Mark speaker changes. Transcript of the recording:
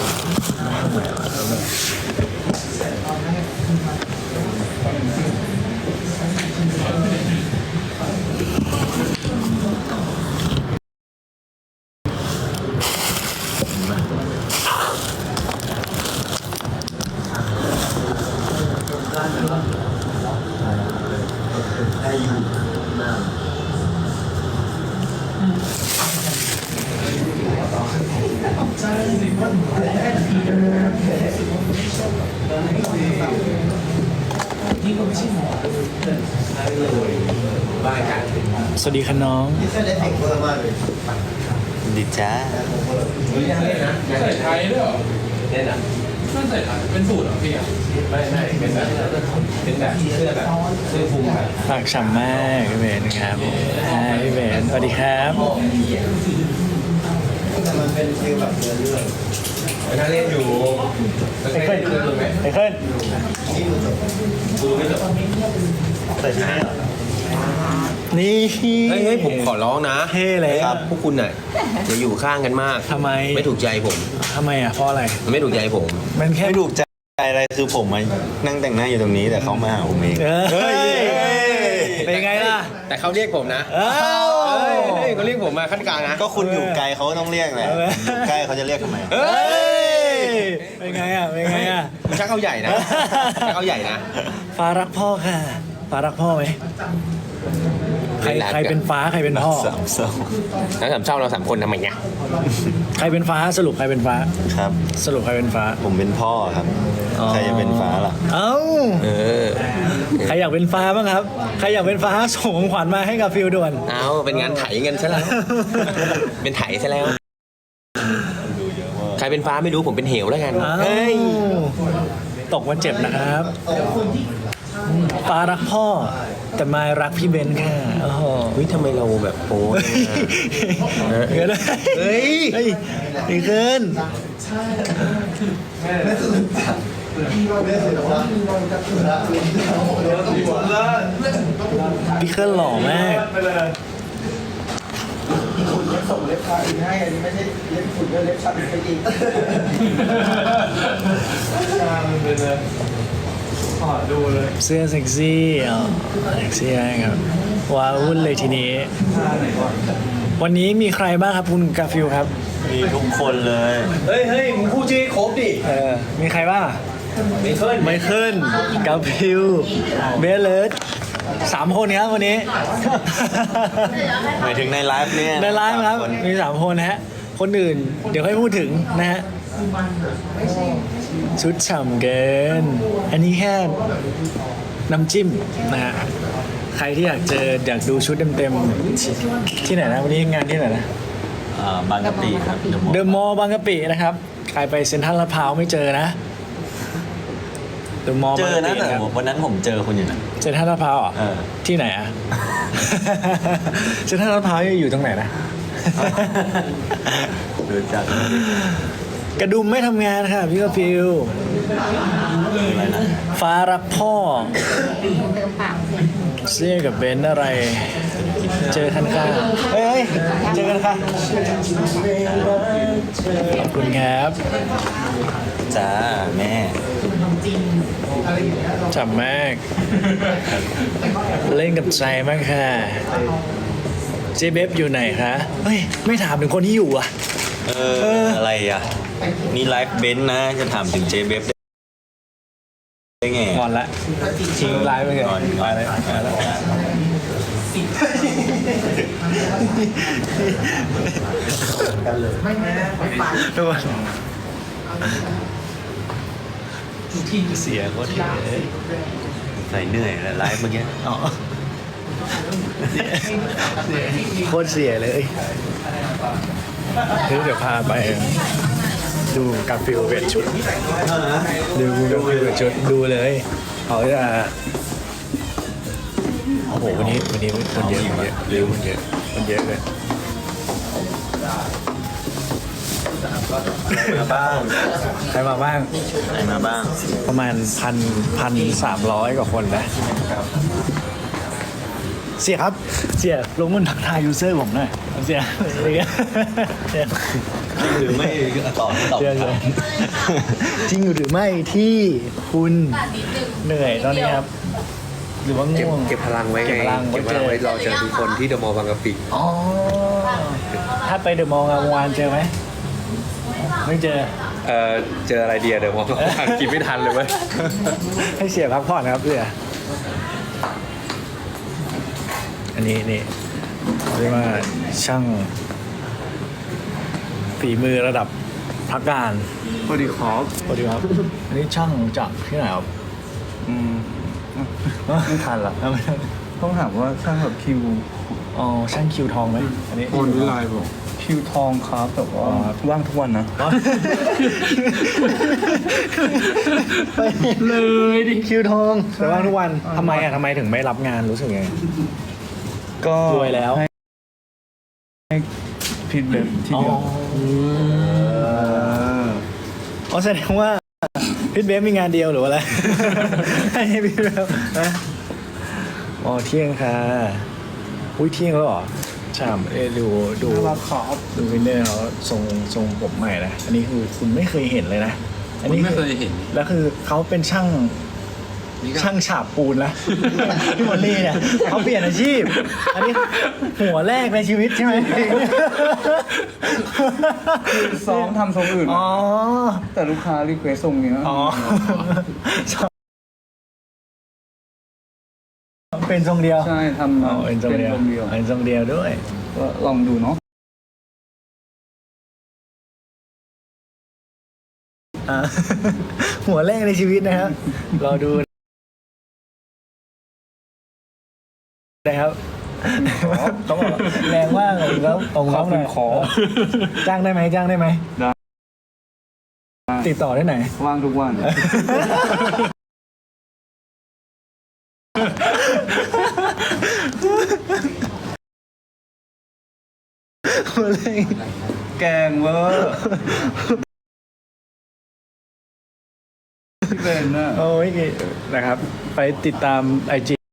Speaker 1: สวัสดีค่ะน้อง
Speaker 2: ดีจ้า
Speaker 3: ใส่ไทยด้วยเหรอเนี่ยนะไม่ใส่ไทยเป็นสูตรเหรอพี่อ่ะไม่เป็นแบบเสื้อแบบเสื้อคลุมแบบ
Speaker 1: ฝากฉ่ำมากพี่เบนครับพี่เบนสวัสดีครับ
Speaker 2: มันเป็นฟิลแบบเรื่อง
Speaker 3: น่าเล่นอยู่
Speaker 1: ไอ้เคิล
Speaker 2: ดูไม่จบใส่ที่นี่
Speaker 1: นี่
Speaker 3: เฮ้ยผมขอร้องนะ
Speaker 1: เท่เลย
Speaker 3: ครับพวกคุณน่ะอย่าอยู่ข้างกันมาก
Speaker 1: ทำไม
Speaker 3: ไม่ถูกใจผม
Speaker 1: ทำไมอ่ะเพราะอะไร
Speaker 3: ไม่ถูกใจผม
Speaker 1: มันแค่
Speaker 2: ไม่ถูกใจอะไรคือผมมานั่งแต่งหน้าอยู่ตรงนี้แต่เขามาหาผมเอง
Speaker 1: เฮ้ยเป็นไงล่ะ
Speaker 3: แต่เขาเรียกผมนะเขาเรียกผมมาขั้นกลางนะ
Speaker 2: ก็คุณอยู่ไกลเขาต้องเรียกแหละอยู่ใกล้เขาจะเรียกทำไม
Speaker 1: เป็นไงอ่ะเป็นไงอ่ะ
Speaker 3: ชักเขาใหญ่นะชักเขาใหญ่นะ
Speaker 1: ฟ้ารักพ่อค่ะฟ้ารักพ่อไหมใครเป็นฟ้าใครเป็นพ่อ
Speaker 2: สามเศร้า
Speaker 3: แล้วสามเศร้าเรา3 คนทำไมเนี่ย
Speaker 1: ใครเป็นฟ้าสรุปใครเป็นฟ้า
Speaker 2: ครับ
Speaker 1: สรุปใครเป็นฟ้า
Speaker 2: ผมเป็นพ่อครับใครจะเป็นฟ้าล่ะ
Speaker 1: เอ้าใครอยากเป็นฟ้าบ้างครับใครอยากเป็นฟ้าส่งของขวัญมาให้กับฟิลด่วน
Speaker 3: เอาเป็นงานไถเงินซะแล้วเป็นไถซะแล้วใครเป็นฟ้าไม่รู้ผมเป็นเหวแล้วกัน
Speaker 1: เฮ้ยตกมันเจ็บนะครับฟ้ารักพ่อแต่มายรักพี่เบนค่ะโอ้โห
Speaker 3: ทำไมเราแบบโอ้
Speaker 1: เกินเฮ้ยดีขึ้นพี่เคิลหล่อมาก
Speaker 2: ส่งเล็บชาอีกให้อันนี้ไม่ใช่เล็บฝุ่นเล็บชาอีกอีก
Speaker 1: ดูเลยเสื้อเซ็กซี่เซ็กซี่ครับว้าวุ่นเลยทีนี้วันนี้มีใครบ้างครับคุณกาฟิลครับ
Speaker 2: มีทุกคนเลย
Speaker 3: เฮ้ยมึงพูดชื่อครบดิ
Speaker 1: มีใครบ้าง
Speaker 3: ไมเคิล
Speaker 1: กาฟิลเบลเลส3 คนครับวันนี้
Speaker 2: หมายถึงในไลฟ์เนี่ย
Speaker 1: ในไลฟ์ครับมี3 คนนะฮะคนอื่นเดี๋ยวค่อยพูดถึงนะฮะชุดฉ่ำเกินอันนี้แค่น้ำจิ้มนะฮะใครที่อยากดูชุดเต็มๆที่ไหนนะวันนี้งานที่ไหนนะ
Speaker 2: บางกะปิครับ
Speaker 1: เดอะมอลล์บางกะปินะครับใครไปเซ็นทรัลลาดพร้าวไม่เจอนะเดอะมอลล์
Speaker 2: เจอนะแต่วันนั้นผมเจอคุณอยู่นะ
Speaker 1: เซ็นทรัลลาดพร้าวที่ไหนอ่ะเซ็นทรัลลาดพร้าวอยู่ตรงไหนนะ
Speaker 2: ดูจัก
Speaker 1: กระดุมไม่ทำงานค่ะพี่กฟิลฟ้ารักพ่อเสื้อกับเบนอะไร เจอกันค่ะเฮ้ยเจอกันค่ะขอบคุณครับ
Speaker 2: จ้าแม่
Speaker 1: จับมากเล่นกับใจมากค่ะเจเบฟอยู่ไหนคะเฮ้ยไม่ถามถึงคนที่อยู่อ่ะ
Speaker 2: อะไรอ่ะนี่ไลฟ์เบนซ์นะจะถามถึงเจเบฟได้ไง
Speaker 1: ก่อนละทิ้งไลฟ์ไปเลยก่อนเลยทุกคนที่เสียก็ที่
Speaker 2: ใส่เหนื่อยไลฟ์เมื่อกี้
Speaker 1: โคตรเสียเลยเดี๋ยวพาไปดูกาฟิลเปลี่ยนชุดดูกาฟิลเปลี่ยนชุดดูเลยเขาจะโอ้โหวันนี้คนเยอะคนเยอะเลย
Speaker 2: มาบ้าง
Speaker 1: ใครมาบ้างประมาณ1,300 กว่าคนนะเสียครับ เสียลงมือทักทายยูเซอร์ผมหน่อยเสียอะไรเงี้ยเสีย
Speaker 2: หรือไม่ตอบ
Speaker 1: เสียจริงหรือไม่ที่คุณเหนื่อยตอนนี้ครับ หรือว่าง่วง
Speaker 4: เก็บพลังไว้ไง
Speaker 1: เก็บพลัง
Speaker 4: เก็บพลังไว้รอเจอทุกคนที่เดอะมอลล์บางกะปิ
Speaker 1: อ๋อถ้าไปเดอะมอลล์งามวานเจอไหมไม่เจอ
Speaker 4: เจออะไรเดียเดอะมอลล์กินไม่ทันเลยเว้ย
Speaker 1: ให้เสียพักผ่อนครับเสียอันนี้นี่เรียกว่าช่างฝีมือระดับพักการ
Speaker 5: สวัสดีครับ
Speaker 1: สวัสดีครับ อันนี้ช่างจากที่ไหนครับ
Speaker 5: ไม่ทันละ
Speaker 1: ไม่ทัน
Speaker 5: ต้องถามว่าช่างแบบคิว
Speaker 1: อ๋อช่างคิวทองไหมอันนี้
Speaker 5: คนวิไลบอกคิวทองครับแต่ว่าว่างทุกวันนะ
Speaker 1: ไปเลยดิคิวทองแต่ว่างทุกวันทำไมอ่ะทำไมถึงไม่รับงานรู้สึกไง
Speaker 5: ก็
Speaker 1: รวยแล้ว
Speaker 5: ให้พิดเล็บที่
Speaker 1: อ๋อ
Speaker 5: เดียว
Speaker 1: อ๋อแสดงว่าพิทเบฟมีงานเดียวหรือว่าอะไร ให้พิทเบฟนะอ๋อเที่ยงค่ะอุ้ยเที่ยงแล้วเหรอฉ่ำดู
Speaker 5: น่ารักครับ
Speaker 1: ดูวินเนอร์เขาทรงผมใหม่นะอันนี้คือคุณไม่เคยเห็นเลยนะอันนี้
Speaker 3: ไม่เคยเห็น
Speaker 1: แล้วคือเขาเป็นช่างฉาบปูนนะ พี่มอลลี่เนี่ยเขาเปลี่ยนอาชีพ อันนี้หัวแรกในชีวิตใช่ไหม
Speaker 5: ซ้อมทำทรงอื่น
Speaker 1: อ๋อ
Speaker 5: แต่ลูกค้ารีเควสทรงเนี้ย
Speaker 1: อ๋อ เป็นทรงเดียว
Speaker 5: ใช่ทำ
Speaker 1: อ๋อเป็นทรงเดียว
Speaker 5: ทรงเดียว
Speaker 1: เป็นทรงเดียวด้วย
Speaker 5: ก็ลองดูเนาะ
Speaker 1: อ่า หัวแรกในชีวิตนะครับรอดูนะครับเขาบอกแรงมากเลยแล้วองค์เขาหน่อยจ้างได้ไหมจ้างได้ไหม
Speaker 5: ได้
Speaker 1: ติดต่อได้ไหน
Speaker 5: ว่างทุกวัน
Speaker 1: หัวแรก
Speaker 5: แกงเวอร์ที่เป็นน่ะ
Speaker 1: โอ้ยนะครับ ไปติดตามIG